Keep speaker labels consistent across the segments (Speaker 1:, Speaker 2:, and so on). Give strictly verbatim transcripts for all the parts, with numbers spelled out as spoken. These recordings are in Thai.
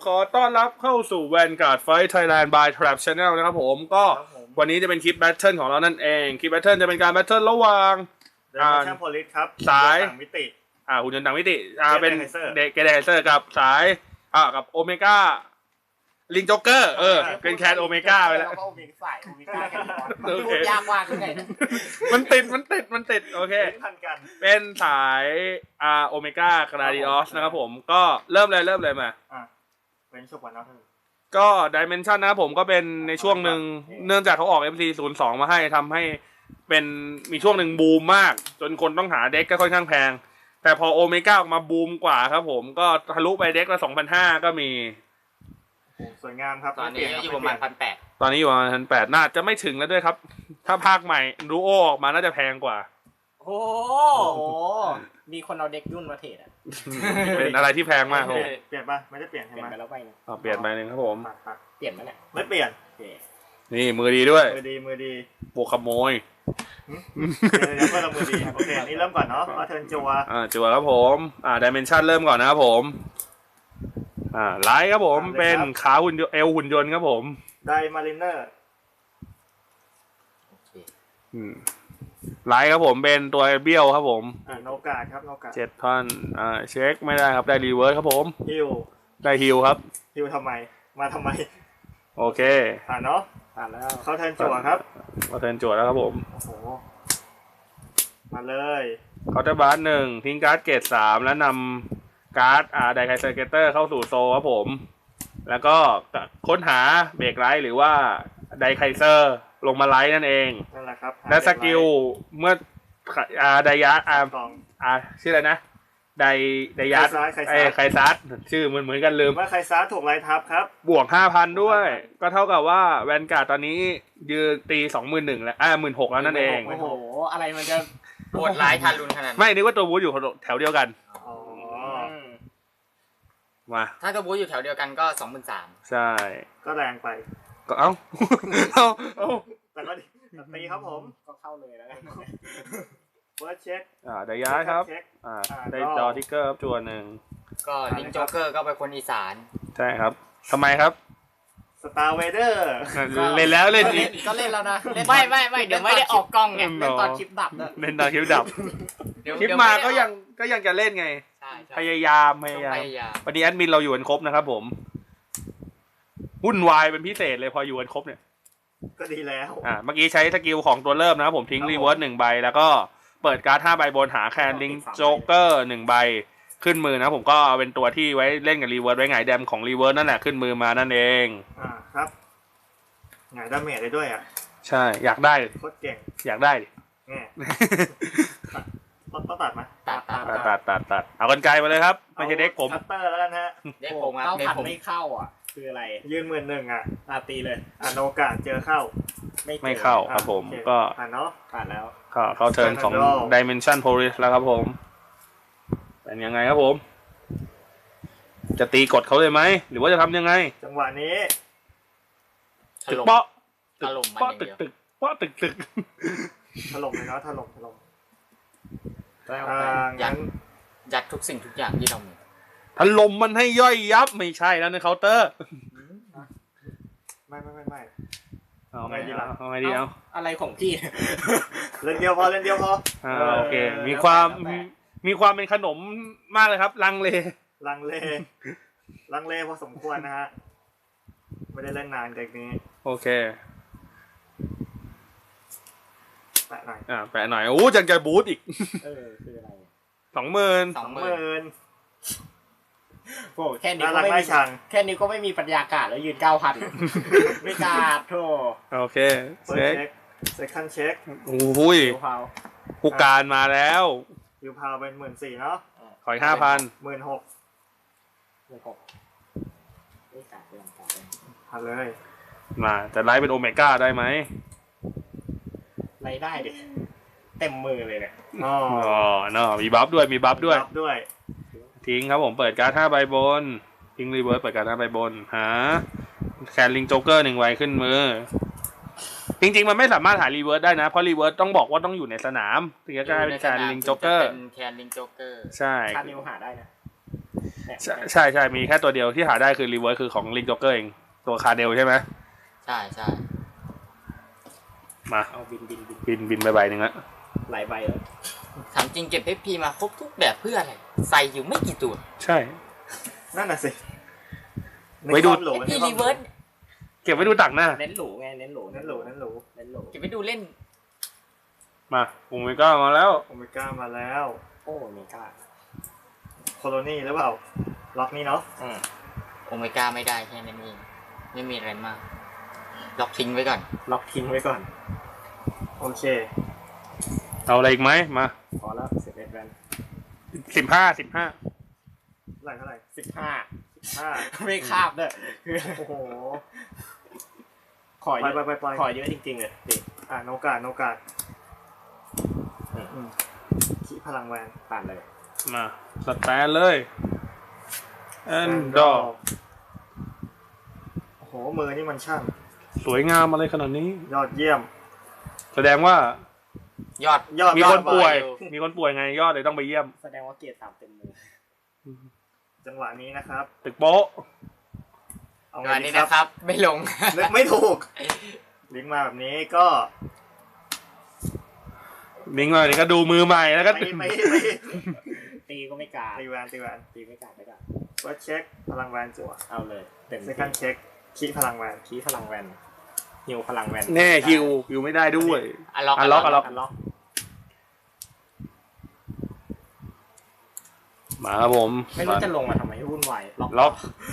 Speaker 1: ขอต้อนรับเข้าสู่ Vanguard Fight Thailand by Trap Channel นะครับผมก็วันนี้จะเป็นคลิปแบทเทิลของเรานั่นเองคลิปแบทเทิลจะเป็นการแบทเทิลระหว่าง
Speaker 2: อ่าช่างโพลิสครับ
Speaker 1: สาย
Speaker 2: ต่างมิติ
Speaker 1: อ่าหุ่นยนต์ต่างมิติอ่าเป็นเดเกเดเซอร์กับสายอ่ากับโอเมก้าลิงจ็อกเกอร์เออเป็นแคนโอเมก้าไปแล้ว
Speaker 3: ก็โอเมก้าสายโอเมก้ากันพูดยากมากขึ้นไง
Speaker 1: มันติดมันติดมันติดโอเคเป็นสายอ่าโอเมก้ากราดิออสนะครับผมก็เริ่มเลยเริ่มเลยมา
Speaker 2: อ่าเป็นช่วงวันนั้น
Speaker 1: ก็ดิเมนชันนะครับผมก็เป็นในช่วงหนึ่งเนื่องจากเขาออก เอ็ม ซี ศูนย์ สอง มาให้ทำให้เป็นมีช่วงหนึ่งบูมมากจนคนต้องหาเด็กก็ค่อนข้างแพงแต่พอโอเมก้าออกมาบูมกว่าครับผมก็ทะลุไปเด็กละ สองพันห้าร้อย ก็มี
Speaker 2: สวยงามครับ
Speaker 3: ตอนนี้อยู่ประมาณ หนึ่งพันแปดร้อย
Speaker 1: ตอนนี้อยู่ประมาณ หนึ่งพันแปดร้อย น่าจะไม่ถึงแล้วด้วยครับถ้าภาคใหม่ดูโอออกมาน่าจะแพงกว่า
Speaker 3: โอ้โหมีคนเอาเด็กยุ่นมาเทรดอ่ะ
Speaker 1: เป็นอะไรที่แพงมากครับ
Speaker 2: เปลี่ยนป่ะไม่ได้เปลี่ยนใช่ไหม
Speaker 3: เปลี่ยนไปแล้วไป
Speaker 1: อ๋อเปลี่ยนไปนึงครับผม
Speaker 3: เปลี่ยนไหมเนี่ย
Speaker 2: ไม่เปลี่ยน
Speaker 1: นี่มือดีด้วย
Speaker 2: มือดีมือดี
Speaker 1: บวกขโมย
Speaker 2: เดี๋ยวเพื่อนเรามือดีโอเคนี่เริ่มก่อนเนาะเอาเทิร์นจัว
Speaker 1: อ่าจัวครับผมอ่าดิเมนชันเริ่มก่อนนะครับผมอ่าไลท์ครับผมเป็นขาหุ่นเอลหุ่นยนต์ครับผม
Speaker 2: ไดมาริเนอร์
Speaker 1: อืมไลท์ครับผมเป็นตัวเบี้ยวครับผม
Speaker 2: อ่าโนกาครับโนกา
Speaker 1: เจ็ดพันอ่าเช็คไม่ได้ครับได้รีเวิร์สครับผม
Speaker 2: ฮิล
Speaker 1: ได้ฮิลครับ
Speaker 2: ฮิลทำไมมาทำไม
Speaker 1: โอเค
Speaker 2: ผ่านเนาะ
Speaker 3: ผ่านแล้ว
Speaker 2: เขาเทิร์นจั่วครับ
Speaker 1: เขาเทิร์นจั่วแล้วครับผม
Speaker 2: โอ้โหมาเลย
Speaker 1: เขาจะบาร์หนึ่งทิ้งการ์ดเกรดสามแล้วนำการ์ดอ่าไดไคเซอร์เกเตอร์เข้าสู่โซครับผมแล้วก็ค้นหาเบรกไลท์หรือว่าไดไคเซอร์ลงมาไลท์นั่นเอง
Speaker 2: นั่นแหละครับ
Speaker 1: และสกิลเมื่ออ่าไดยาอ่าอ่าชื่ออะไรนะไดไดยัสไอ้ไคซัสชื่อเหมือนเหมือนกันลืม
Speaker 2: ว่าไคซัสถูกไล่ทับครับ
Speaker 1: บวก ห้าพัน ด้วยก็เท่ากับว่าแวนการ์ดตอนนี้ยืนตี สองหมื่นหนึ่งพัน แล้วอ่า หนึ่งหมื่นหกพัน แล้วนั่นเอง
Speaker 3: โอ้โหอะไรมันจะปวดร้ายทารุณขนาดนั้น
Speaker 1: ไม่นึกว่าตัวบูธอยู่แถวเดียวกัน
Speaker 2: อ๋อ
Speaker 1: มา
Speaker 3: ถ้าตัวบูธอยู่แถวเดียวกันก็ สองหมื่นสามพัน
Speaker 1: ใช่
Speaker 2: ก็แรงไป
Speaker 1: ก็เอ้าเอ้าเอ้า
Speaker 2: แต่ก็ตีครับผม
Speaker 3: ก็เข้าเลยแล้วกัน
Speaker 2: เฟิร์สเช็ค
Speaker 1: อ่าได้ย้ายครับอ่าได้จอทิกเกอร์ครับจวนหนึ่ง
Speaker 3: ก็ลิงจ็อกเกอร์ก็เป็นคนอีสาน
Speaker 1: ใช่ครับทำไมครับ
Speaker 2: สตาร์เวเดอร์
Speaker 1: เล่นแล้วเล่นอีก
Speaker 3: ก็เล่นแล้วนะไม่ไม่ไม่เดี๋ยวไม่ได้ออกกล้องไงเล่นตอนคลิปดับ
Speaker 1: เล่นตอนคลิปดับคลิปมาก็ยังก็ยังจะเล่นไงพยายามพยายามวันนี้แอดมินเราอยู่กันครบนะครับผมวุ่นวายเป็นพิเศษเลยพออยู่กันครบเนี่ย
Speaker 2: ก็ดีแล้ว
Speaker 1: อ่าเมื่อกี้ใช้สกิลของตัวเริ่มนะครับผมทิ้งรีเวิร์สหนึ่งใบแล้วก็เปิดการ์ดห้าใบบนหาแคนลิงโจ๊กเกอร์หนึ่งใบขึ้นมือนะผมก็เป็นตัวที่ไว้เล่นกับรีเวิร์สไว้ไงแดมของรีเวิร์สนั่นแหละขึ้นมือมานั่นเอง
Speaker 2: อ่าครับไงดาเมจได้ด้วยอ่ะ
Speaker 1: ใช่อยากได้
Speaker 2: โคตรเก่ง
Speaker 1: อยากได้ดิ
Speaker 2: แง่ต้องตัดไหม
Speaker 3: ตัดตัด
Speaker 1: ตัดตัดตัดเอากันไกลมาเลยครับไม่ใช่เด็กผม
Speaker 2: คัตเตอร์แล้วกันฮะ
Speaker 3: เด็กผมครับเด็กผมไม่เข้าอ่ะคืออะไร
Speaker 2: ยืนหมื่นหนึ่งอ่ะ
Speaker 3: อาตีเลย
Speaker 2: อ่าโนกาเจอเข้า
Speaker 1: ไม่เข้าครับผมก็
Speaker 2: ผ่านเนาะผ่านแล้ว
Speaker 1: เข้าเข้าเทิร์นของ Dimension Police แล้วครับผมเป็นยังไงครับผมจะตีกดเขาเลยไหมหรือว่าจะทำยังไง
Speaker 2: จังหวะนี้
Speaker 1: ตึกเปาะตึกเปาะตึกตึกเปาะตึกตึก
Speaker 2: ถล่มเลยเนาะถล่มถล่ม
Speaker 3: ยัดยัดทุกสิ่งทุกอย่างที่เรามี
Speaker 1: ถล่มมันให้ย่อยยับไม่ใช่แล้วในเคาน์เตอร์
Speaker 2: ไม่ไม่ไม่ไม่
Speaker 1: เอาไงดีล่ะเอาไงดีเอา
Speaker 3: อะไรของพี่
Speaker 2: เล่นเดียวพอเล่นเดียวพอ
Speaker 1: อ่าโอเคมีความมีความเป็นขนมมากเลยครับลังเล
Speaker 2: ลังเลลังเลพอสมควรนะฮะไม่ได้เล่นนานจากนี้
Speaker 1: โอเค
Speaker 2: แปะหน่อย
Speaker 1: อ่าแปะหน่อยโอ้จังจะบูทอีก
Speaker 3: เออคืออะไร
Speaker 1: สองหมื่น
Speaker 2: สองหมื่น
Speaker 3: โอ้แค่นี้ก็ไม่มีแค่นี้ก็ไม่มีปัญญากาศแล้วยืนเก้าพันไม่กาดโธ่
Speaker 1: โอเค
Speaker 2: เช็คเซ็คันเช็ค
Speaker 1: โอ้ยผู้การมาแล้ว
Speaker 2: ยูพาวเป็นหมื่นสี่เนาะ
Speaker 1: ขออีกห้าพัน
Speaker 2: หมื่นหก
Speaker 3: หมื่นหกไม่กาดเรื่องกาด
Speaker 2: พันเลย
Speaker 1: มาจะไล่เป็นโอเมก้าได้ไหม
Speaker 3: ไล่ได้ดิเต็มมือเลยเนี่ย
Speaker 1: อ๋อเนาะมีบัฟด้วยมีบัฟด้วย
Speaker 2: ด้วย
Speaker 1: ทิ้งครับผมเปิดการ์ดห้าใบบนทิ้งรีเวิร์สเปิดการ์ดห้าใบบนหาแคนลิงโจ๊กเกอร์หนึ่งใบขึ้นมือจริงๆมันไม่สามารถหารีเวิร์สได้นะเพราะรีเวิร์สต้องบอกว่าต้องอยู่ในสนามถึงจะกลายเป็นแคนลิงโจ๊กเกอร์
Speaker 3: เป็นแคนลิงโจ๊กเกอร์
Speaker 1: ใช่
Speaker 3: คานิวหาได้นะ
Speaker 1: ใช่ใช่ใช่มีแค่ตัวเดียวที่หาได้คือรีเวิร์สคือของลิงจ็อกเกอร์เองตัวคาเดลใช่ไหม
Speaker 4: ใช่ใช่
Speaker 1: มา
Speaker 3: เอาบินบินบิน
Speaker 1: บินบินไปใบหนึ่งละ
Speaker 3: หลายใบแล้ว
Speaker 4: ถามจริงเก็บเอฟพีมาครบทุกแบบเพื่ออะไร ใส่อยู่ไม่กี่ตัว
Speaker 1: ใช่
Speaker 2: นั่นน่ะสิ
Speaker 1: ไว้ดู
Speaker 2: ในความหรู
Speaker 4: เอฟพี
Speaker 2: ในความห
Speaker 4: รีเวิร์ส
Speaker 1: เก็บไว้ดูต่างหน้า
Speaker 3: เน้นหรูไงเน้นหรู
Speaker 2: นั่นหรูนั่นหรู
Speaker 3: เน้นหรู
Speaker 4: เก็บไปดูเล่น
Speaker 1: มาผมไปก็มาแล้ว
Speaker 2: โอเมก้ามาแล้ว
Speaker 3: โอ้เมกา
Speaker 2: โคโลนี่หรือเปล่า ล็อกนี้เนาะ
Speaker 3: อืม
Speaker 4: โอเมก้าไม่ได้แค่นั้นเองไม่มีอะไรมาก ล็อกทิ้งไว้ก่อน
Speaker 3: ล็อกทิ้งไว้ก่อน
Speaker 2: โอเค
Speaker 1: เอาอะไรอีกไหมมา
Speaker 3: พอแล้วสิบเอ็ดแวน
Speaker 1: สิบห้าสิบห้า
Speaker 2: เท่าไหร่เท่าไหร่
Speaker 3: สิบห้า
Speaker 2: ห้า
Speaker 3: ไม่คาบด้วยคือ
Speaker 2: โอ้โห
Speaker 3: ขอ
Speaker 2: ไป
Speaker 3: เย
Speaker 2: ไป
Speaker 3: อะ
Speaker 2: ไปไป
Speaker 3: ขอเยอะจริงๆเลยดิ
Speaker 2: อ่าโนกาโนกา
Speaker 3: อืม
Speaker 2: อืมขี้พลังแวน
Speaker 3: ผ่านเลย
Speaker 1: มาสแตนเลยแอนดอ
Speaker 2: โอ้โห มือนี่มันช่าง
Speaker 1: สวยงามอะไรขนาดนี้
Speaker 2: ยอดเยี่ยม
Speaker 1: แสดงว่า
Speaker 4: ยอด
Speaker 2: ยอด
Speaker 1: มีคน
Speaker 2: ยอด
Speaker 1: ป่วย
Speaker 4: อยู่
Speaker 1: มีคนป่วยไงยอดเลยต้องไปเยี่ยม
Speaker 3: แสดงว่าเกียร์สามเต็มมือ
Speaker 2: จังหวะนี้นะครับ
Speaker 1: ตึกโป๊ะ
Speaker 2: เอา
Speaker 4: งา
Speaker 2: ไง
Speaker 4: น
Speaker 2: ดี
Speaker 4: นี้
Speaker 2: ครั
Speaker 4: นะ
Speaker 2: บ
Speaker 4: ครับ ไม่ลง
Speaker 2: นึกไม่ถูก ลิงก์มาแบบนี้ก็
Speaker 1: มิงมาเนี่ก็ดูมือใหม่แล้วก็
Speaker 2: ไปไปไป
Speaker 3: ตีก็ไม่กล้า
Speaker 2: ตีแวนตีแวน
Speaker 3: ตีไม่กล้าไม่กล้า
Speaker 2: วัดเช็คพลังแวนจั่ว
Speaker 3: เอาเลยเต็ม
Speaker 2: เซคันเช็คขี้พลังแวน
Speaker 3: ขี้พลังแวนฮิวพลังแวน
Speaker 1: แน่ฮิวฮิวไม่ได้ด้วย
Speaker 4: อันล็อก
Speaker 1: อันล็อก
Speaker 3: อันล็อก
Speaker 1: มาครับผม
Speaker 3: ไม่รู้จะลงมาทำไมวุ่นวายล็อก
Speaker 1: ล็อก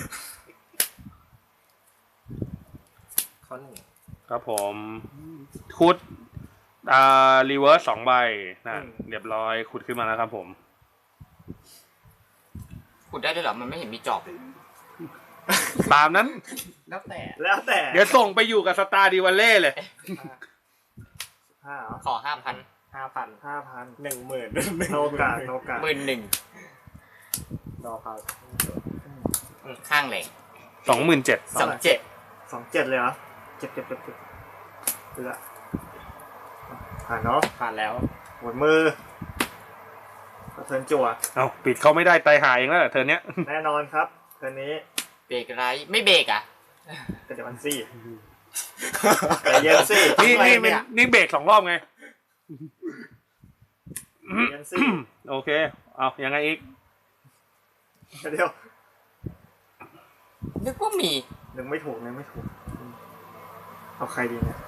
Speaker 3: ข้อหนึ่ง
Speaker 1: ครับผมขุดอ่ารีเวิร์สสองใบนะเรียบร้อยขุดขึ้นมาแล้วครับผม
Speaker 4: ขุดได้ด้วยเหรอ มันไม่เห็นมีจอบเลย
Speaker 1: ตามนั้น
Speaker 3: แล้วแต่
Speaker 2: แล้วแต่
Speaker 1: เดี๋ยวส่งไปอยู่กับสตาร์ดิวัลเล่เลย
Speaker 2: ห้าเหรอ
Speaker 4: ขอห้าพัน
Speaker 3: ห้าพัน
Speaker 2: ห้าพัน
Speaker 3: หนึ่งหมื่น
Speaker 2: โนกาโนกา
Speaker 4: หมื่นหนึ่ง
Speaker 3: รอเขา
Speaker 4: ข้างแหลง
Speaker 1: สองหมื่นเจ็ด
Speaker 4: สองเจ็ด
Speaker 2: สองเจ็ดเลยเหรอเจ็ดเจ็ดเจ็ดเจ็ดเหลือผ่านเนาะ
Speaker 3: ผ่านแล้ว
Speaker 2: หมดมือก็เทิร์นจั่ว
Speaker 1: เอาปิดเขาไม่ได้ไตายหายเองแล้วเหรอเธอเนี้ย
Speaker 2: แน่นอนครับเทิร์นนี้
Speaker 4: เบรกไรไม่เบรกอ่ะ
Speaker 2: ก็จะมันซี่แต่เย็นซี่
Speaker 1: นี่นี่เป็นนี่เบรกสองรอบไง
Speaker 2: เย็นซี่
Speaker 1: โอเค เอายังไงอีก
Speaker 2: เดี๋ยว
Speaker 4: นึกว่ามี
Speaker 2: นึงไม่ถูกนึงไม่ถูกเอาใครดีเนี่ย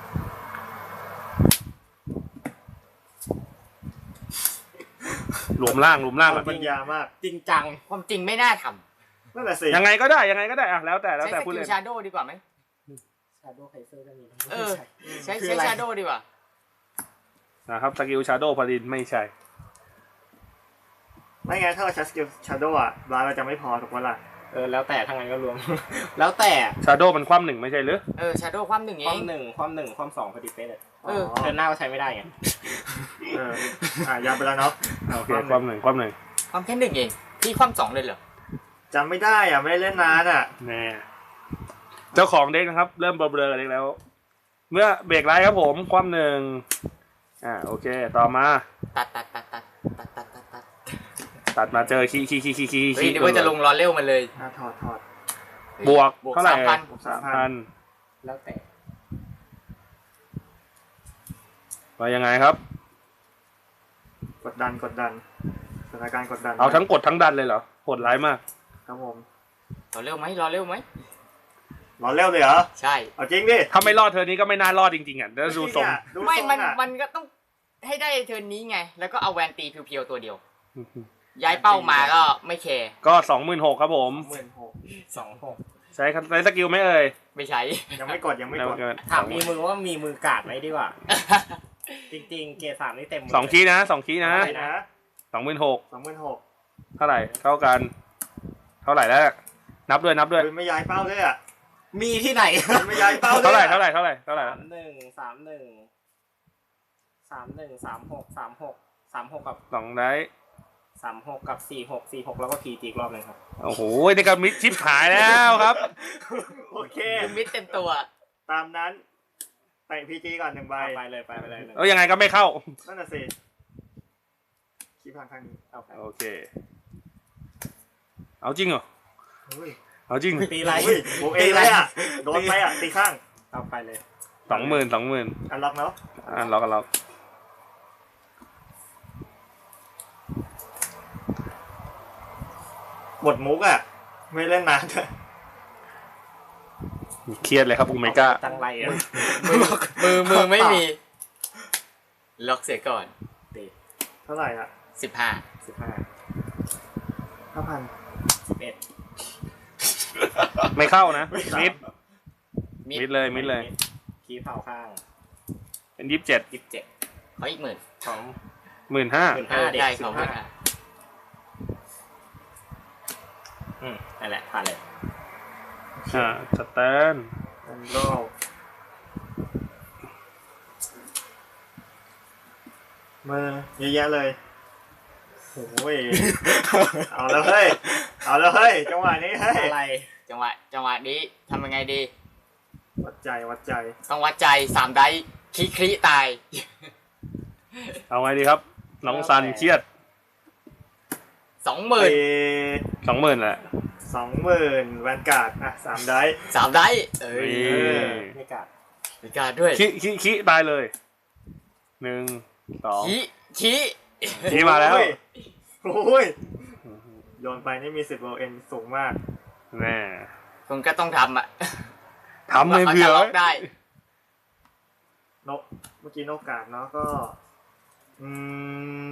Speaker 1: รวมร่างรวมร่าง
Speaker 2: เอา
Speaker 1: แบบ
Speaker 2: ปัญญามาก
Speaker 3: จริงจัง
Speaker 4: ความจริงไม่น่าท
Speaker 2: นั่นแหละสิ
Speaker 1: ยังไงก็ได้ยังไงก็ได้อะแล้วแต่
Speaker 4: ำ
Speaker 1: แล้ว
Speaker 4: ใช้
Speaker 1: แต่
Speaker 4: ส
Speaker 1: พูด
Speaker 4: กิ
Speaker 1: เล
Speaker 4: ล
Speaker 1: ย
Speaker 4: ชาโดดีกว่าไหม
Speaker 3: ชาโดว์ไคเซอร์ก็มี
Speaker 4: เออ ใช้
Speaker 3: คือ
Speaker 4: ใช้
Speaker 3: อะไร
Speaker 4: ชาโดดีกว่า
Speaker 1: นะครับสกิลชาโดว์พาดินไม่ใช่
Speaker 2: ไม่งั้นถ้าเราใช้สกิลชาโดว์อ่ะร้านเราจะไม่พอถูกปะล่ะ
Speaker 3: เออแล้วแต่ทั้งนั้นก็รวม แล้วแต่
Speaker 1: ชาโดว์มันคว่ำหนึ่งไม่ใช่หรือ
Speaker 4: เออชาโดความหนึ่ง
Speaker 3: ค
Speaker 4: เอ
Speaker 3: วาม
Speaker 4: ง
Speaker 3: หนึ่งความหนึ่งความสองพอดีเป๊ะเลย
Speaker 4: เออ
Speaker 3: เดินหน้าก็ใช้ไม่ได้ไง
Speaker 2: เอออ่ะยาวไปแล้วเนาะ
Speaker 1: โอเคคว่ำหนึ่งคว่ำหนึ่ง
Speaker 4: ความแค่หนึ่งเองพี่ความสองเลยเหรอ
Speaker 2: จำไม่ได้อ่ะไม่ได้เล่นนานอ่ะ
Speaker 1: แน่เจ้าของเด็กนะครับ เริ่มเบลอๆเด็กแล้ว เมื่อเบรกไลท์ครับผมคว่ำหนึ่งอ่าโอเค ต่อมา
Speaker 4: ตัดตัดตัดตัดตัดตัดตัดตัด
Speaker 1: ตัดมาเจอคีคีคีคีคี
Speaker 4: เฮ้ยนึกว่าจะลงรอเร็วมาเลย
Speaker 2: อ่ะถอดถอด
Speaker 1: บวก
Speaker 4: บวก
Speaker 1: เท่าไหร่
Speaker 4: สามพัน
Speaker 1: สามพัน
Speaker 3: แล้วแต่
Speaker 1: ว่ายังไงครับ
Speaker 2: กดดันกดดันสถานการณ์กดดัน
Speaker 1: เอาทั้งกดทั้งดันเลยเหรอโหดร้ายมาก
Speaker 2: ครับผม
Speaker 4: รอเร็วไหมรอเร็วไหม
Speaker 2: รอเร็วเลยเหรอ
Speaker 4: ใช่
Speaker 2: เอาจริงดิ
Speaker 1: ถ้าไม่รอดเธอนี้ก็ไม่น่ารอดจริงๆอ่ะเดี๋ยวดูทรง
Speaker 2: ดู
Speaker 4: ไม่
Speaker 2: ทรง
Speaker 4: มัน
Speaker 2: อ่ะ
Speaker 4: มันก็ต้องให้ได้เทิร์นนี้ไง แล้วก็เอาแวนตีเพียวๆตัวเดียว ย้ายเป้ามาก็ไม่แคร์
Speaker 1: ก็สองหมื่นหกครับผม
Speaker 2: หมื่นหก
Speaker 3: สองหก
Speaker 1: ใช้ใช้สกิลไหมเอ่ย
Speaker 4: ไม่ใช้
Speaker 2: ยังไม่กดยังไม่กด
Speaker 3: ถามมีมือว่ามีมือกาดไหมดีกว่า จริงๆ เกียร์สามนี่เต็มมื
Speaker 1: สองคีย์นะสองคีย์นะ
Speaker 2: อะไรนะ
Speaker 1: สองหมื่นหก
Speaker 2: สองหมื่นหก
Speaker 1: เท่าไหร่เท่ากัน เท่าไหร่แล้วนับด้วยนับด้วย
Speaker 2: ไม่ย้ายเป้าด้วยอ่ะ
Speaker 3: มีที่ไหน
Speaker 2: ไม่ย้ายเป้าด้วย
Speaker 1: เท่าไหร่เท่าไหร่เท่าไหร่เท่าไหร่
Speaker 3: สามหนึ่งสามหนึ่งสามหนึ่งสามหกสามหกสามหกกับ
Speaker 1: สองได้
Speaker 3: สามหกกับสี่หกสี่หกแล้วก็พีจีอีกรอบหนึงครับ
Speaker 1: โอ้โหนี่ก็มิดชิปหายแล้วครับ
Speaker 2: โอเค
Speaker 4: คือมิดเต็มตัว
Speaker 2: ตามนั้นใส่พีจีก่อนหนึ่งใบ
Speaker 3: ไปเลยไปไปเลยหนึ่ง
Speaker 1: แล้วยังไงก็ไม่เข้า
Speaker 2: นั่นน่ะสิคีพังข้างนี้
Speaker 3: เอาไป
Speaker 1: โอเคเอาจริงเหรอ
Speaker 2: เฮ้ย
Speaker 1: เอาจริง
Speaker 3: ตีไร
Speaker 2: เฮ้ยบวกเองเลยอ่ะโดนไปอ่ะตีข้าง
Speaker 3: เอาไปเลย
Speaker 1: สองหมื่นสองหมื่น
Speaker 2: อันล็อกแล้ว
Speaker 1: อ่าล็อกกันล็อก
Speaker 2: บทมุกอ่ะ ไม่เล่นนานเลย
Speaker 1: เครียดเลยครับโอเมก้า
Speaker 3: จังไรอ่ะ
Speaker 4: มือมือมือไม่มี ล็อกเสียก่อน
Speaker 3: ตี
Speaker 2: เท่าไหร่อ่ะ
Speaker 4: สิบห้า
Speaker 3: สิบห้า
Speaker 2: ห้าพัน
Speaker 3: สิบเอ็ด
Speaker 1: ไม่เข้านะมิด
Speaker 4: มิด
Speaker 1: มิดเลยมิดเลย
Speaker 3: คีเผาข้าง
Speaker 1: เป็นยี่สิบเจ็ด
Speaker 3: ยี่สิบเจ็ด
Speaker 4: เขาอีกหมื่น
Speaker 3: ของ
Speaker 1: หมื่นห้า
Speaker 3: หมื่น
Speaker 4: เอ
Speaker 3: ห้า
Speaker 4: อ
Speaker 3: เด็ก
Speaker 4: ได้
Speaker 3: สิ
Speaker 4: เขา
Speaker 3: บ
Speaker 4: หมื่
Speaker 3: ห้าน
Speaker 4: ห้า
Speaker 3: อืมนั่นแหละผ่านเลย
Speaker 1: อ่าสแตน
Speaker 2: อันโลกมือเยอะแยะเลยโอ้ย เอาแล้วเฮ้ย เอาแล้วเฮ้ย จังหวะนี้เฮ้ย
Speaker 3: อะไร
Speaker 4: จังหวะจังหวะนี้ทำยังไงดี
Speaker 2: วัดใจวัดใจ
Speaker 4: ต้องวัดใจสามได้คลิคลิตาย
Speaker 1: เอาไงดีครับ น้องซันเครียด
Speaker 4: สองหมื่น
Speaker 2: ไป
Speaker 1: สองหมื่นแหละ
Speaker 2: สองหมื่นแวนการ์ดอ่ะสามได้
Speaker 4: สามได้เอ้ย
Speaker 1: นี่
Speaker 3: ไม่กัด
Speaker 4: มีการด้วย
Speaker 1: ขี้ขี้ขี้ตายเลยหนึ่งสอง
Speaker 4: ขี้ขี้
Speaker 1: ขี้มาแล้ว
Speaker 2: โอ้ยโยนไปนี่มีสิบโลเอ็นสูงมาก
Speaker 1: แน่
Speaker 4: คุณก็ต้องทำอ่ะ
Speaker 1: ทำเลยเผื่อ
Speaker 4: ว่าขาจะล็
Speaker 1: ไว้
Speaker 4: อกได้
Speaker 2: นกเมื่อกี้นกกาดเนาะก็ อืม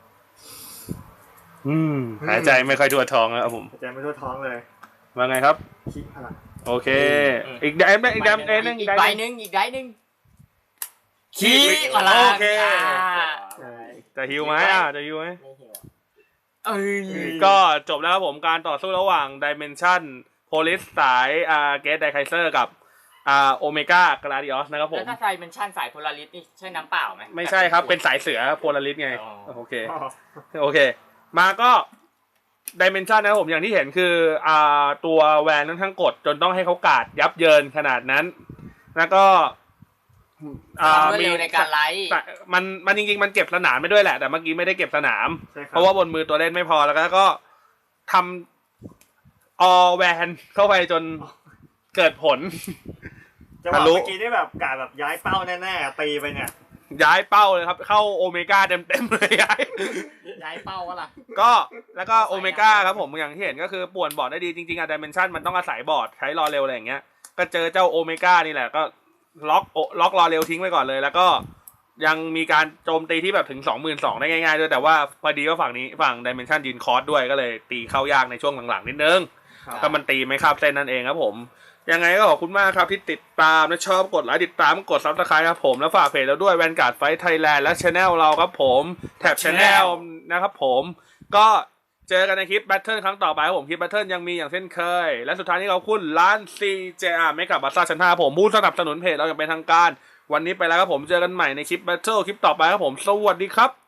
Speaker 1: อืมหายใจไม่ค่อยทั่วท้องแล้วครับผม
Speaker 2: หายใจไม่ทั่วท้องเลย
Speaker 1: ว่าไงครับ
Speaker 2: ขี้พลัง
Speaker 1: โอเค อีกแดมอีกแดมเอ้ยนึง
Speaker 4: อี
Speaker 1: อี
Speaker 4: ก
Speaker 1: ก
Speaker 4: ใบ
Speaker 1: ใบ
Speaker 4: ห
Speaker 1: นึง
Speaker 4: นึ่งอีกใบหนึ่งขี้พลัง
Speaker 1: โอเค
Speaker 4: อ่า
Speaker 3: ใช่
Speaker 1: จะฮิวไหมอ่ะจะฮิวไหม
Speaker 3: ไม่เหี่ยว
Speaker 4: เอ้ย
Speaker 1: ก็จบแล้วครับผมการต่อสู้ระหว่าง Dimension Police สายอ่าเกตไดไคเซอร์กับอ่าโอเมก้ากราดิออสนะครับผ
Speaker 4: แล้
Speaker 1: ม
Speaker 4: วถ้าใครเป็นชั่นสายโพลาริสนี่ใช่น้ำเปล่าไหม
Speaker 1: ไม่ใช่ครับเป็นสายเสือโพลาริสไง
Speaker 4: อ๋อ
Speaker 1: โอเค
Speaker 2: อ๋อ
Speaker 1: โอเค มาก็ Dimension นะครับผมอย่างที่เห็นคืออ่าตัวแวนนั้นทั้งกดจนต้องให้เขากาดยับเยินขนาดนั้น แล้วก็
Speaker 4: ความรวดเร็วในการไลฟ์
Speaker 1: แต่มันมันจริงๆมันเก็บสนามไม่ด้วยแหละ แต่เมื่อกี้ไม่ได้เก็บสนาม
Speaker 2: ใช่ค
Speaker 1: เพ
Speaker 2: รับ
Speaker 1: ราะว่าบนมือตัวเล่นไม่พอแล้วก็ทำออแวนเข้าไปจนเกิดผล
Speaker 2: จังหวะ
Speaker 1: ทะลุ
Speaker 2: เมื่อกี้นี่แบบกาดแบบย้ายเป้าแน่ๆตีไปเนี่ย
Speaker 1: ย้ายเป้าเลยครับ เข้าโอเมก้าเต็มๆเลยย้าย
Speaker 3: ย้ายเป้าวะล่ะ
Speaker 1: ก็แล้วก็โอเมก้าครับผมอย่างที่เห็นก็คือป่วนบอร์ดได้ดีจริงๆอะดิเมนชันมันต้องอาศัยบอร์ดใช้รอเร็วอะไรอย่างเงี้ยก็เจอเจ้าโอเมก้านี่แหละก็ล็อกโอล็อกรอเร็วทิ้งไว้ก่อนเลย แล้วก็ยังมีการโจมตีที่แบบถึง สองหมื่นสองพัน ได้ง่ายๆด้วยแต่ว่าพอดีว่าฝั่งนี้ฝั่งดิเมนชันยืนคอร์สด้วยก็เลยตีเข้ายากในช่วงหลังๆนิดนึง
Speaker 2: ครับ
Speaker 1: ก็มันตีไม่คาบเส้นนั่นเองครับผมยังไงก็ขอบคุณมากครับที่ติดตามและชอบกดไลค์ติดตามกดซับสไครต์ครับผมแล้วฝากเพจเราด้วยแวนการ์ดไฟท์ไทยแลนด์และช anel เราครับผมแท็บช anel นะครับผมก็เจอกันในคลิปแบทเทิลครั้งต่อไปครับผมคลิปแบทเทิลยังมีอย่างเช่นเคย และสุดท้ายนี้ขอบคุณร้าน ซี เจ อาร์ ไม่กับบัตซ่าชั้นห้าผมผู้สนับสนุนเพจเราอย่างเป็นทางการวันนี้ไปแล้วครับผมเจอกันใหม่ในคลิปแบทเทิลคลิปต่อไปครับผมสวัสดีครับ